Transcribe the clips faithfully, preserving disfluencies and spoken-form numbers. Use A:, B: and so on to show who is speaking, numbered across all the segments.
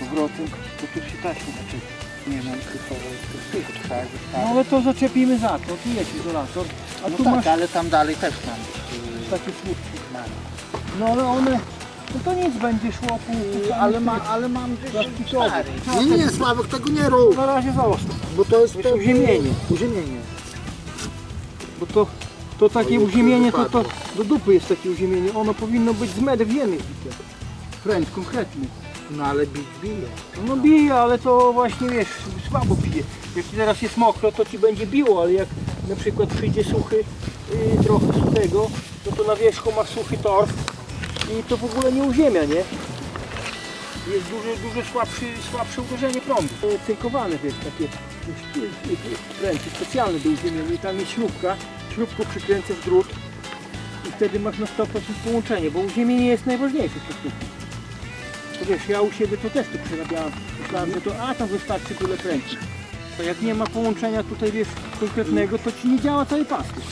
A: powrotem, to tu się taśmy zaczepi.
B: Nie mam krysowej, tylko trzeba
A: No
B: zostawić.
A: ale to zaczepimy za to, tu jest izolator, a
B: No
A: tu
B: tak,
A: masz
B: ale tam dalej też mam yy,
A: takie słupki.
B: mam.
A: No ale one, no to nic będzie szło pół, pół
B: Ale, ma, ale mam gdzieś
A: plastikowy.
B: stary. Nie, nie, Sławek, tego nie rób,
A: Na razie zostaw,
B: bo to jest
A: To jest uziemienie.
B: Uziemienie.
A: bo to, to takie
B: Oj,
A: uziemienie, to, to
B: wypadło.
A: do dupy jest takie uziemienie, ono powinno być z metr wiemy bite. Wręcz konkretny.
B: No ale bić bije.
A: No bije, ale to właśnie wiesz, słabo bije. Jak teraz jest mokro, to ci będzie biło, ale jak na przykład przyjdzie suchy, yy, trochę suchego, no to na wierzchu masz suchy torf i to w ogóle nie uziemia, nie? Jest duże, duże słabszy, słabsze uderzenie prądu. Yy, Cynkowane, wiesz, takie ręce specjalne do uziemienia i tam jest śrubka, śrubką przykręcasz drut i wtedy masz na sto procent połączenie, bo uziemienie jest najważniejsze w sztuki. To wiesz, ja u siebie to też tu przerabiałem. Myślałem, że to a tam wystarczy tyle kręcić. To jak nie ma połączenia tutaj wiesz konkretnego, to ci nie działa cały pastuch.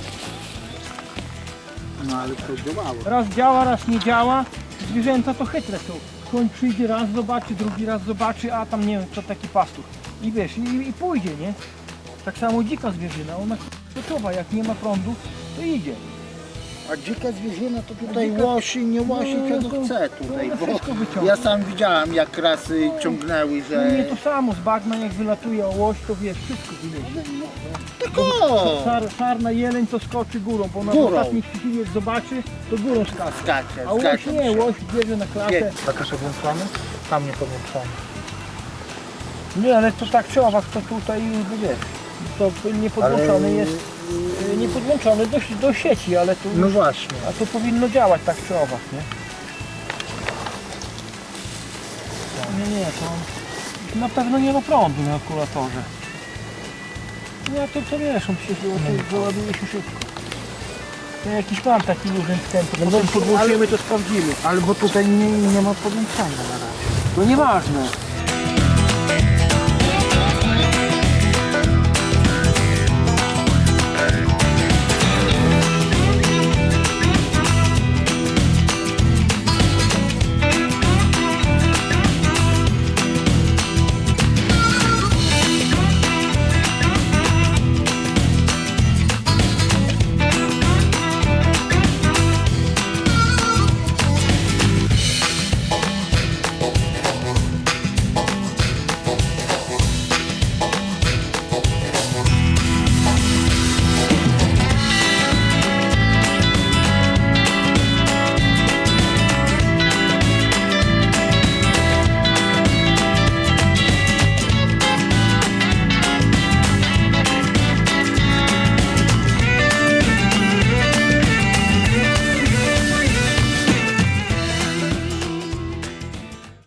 B: No ale to działało.
A: Raz działa, raz nie działa. Zwierzęta to chytre są. Koń przyjdzie raz zobaczy, drugi raz zobaczy, a tam nie wiem co taki pastuch. I wiesz, i, i pójdzie, nie? Tak samo dzika zwierzyna, ona gotowa, jak nie ma prądu, to idzie.
B: A dzika zwierzyna to tutaj
A: dzika-
B: łosi, nie łosi,
A: No,
B: czego
A: to-
B: chce
A: to
B: tutaj,
A: ona
B: bo
A: wszystko wyciąga.
B: ja sam widziałem jak rasy ciągnęły,
A: No
B: że...
A: nie to samo, z bagna jak wylatuje ołoś, to wiesz, wszystko wyjedzie.
B: Tylko
A: Sar, sarna jeleń to skoczy górą, bo ona w
B: Górą.
A: ostatniej chwili jak zobaczy, to górą skacze.
B: skacze,
A: A łoś
B: skacze.
A: nie, łoś bierze na klatę.
B: Nie. Taka się włączamy? Tam nie połączamy.
A: Nie, ale to tak czy owak, to tutaj wiesz, to nie podłączony
B: Ale-
A: jest, y, nie podłączony do, do sieci, ale tu,
B: No właśnie.
A: a to powinno działać tak czy owak, nie? Nie, nie, to na pewno nie ma prądu na akumulatorze. No to co wiesz, on się załaduje, załaduje się szybko. Ja jakiś mam taki luźny wstęp, to potem podłączymy, to sprawdzimy.
B: Ale bo tutaj nie, nie ma podłączania na razie.
A: No nieważne.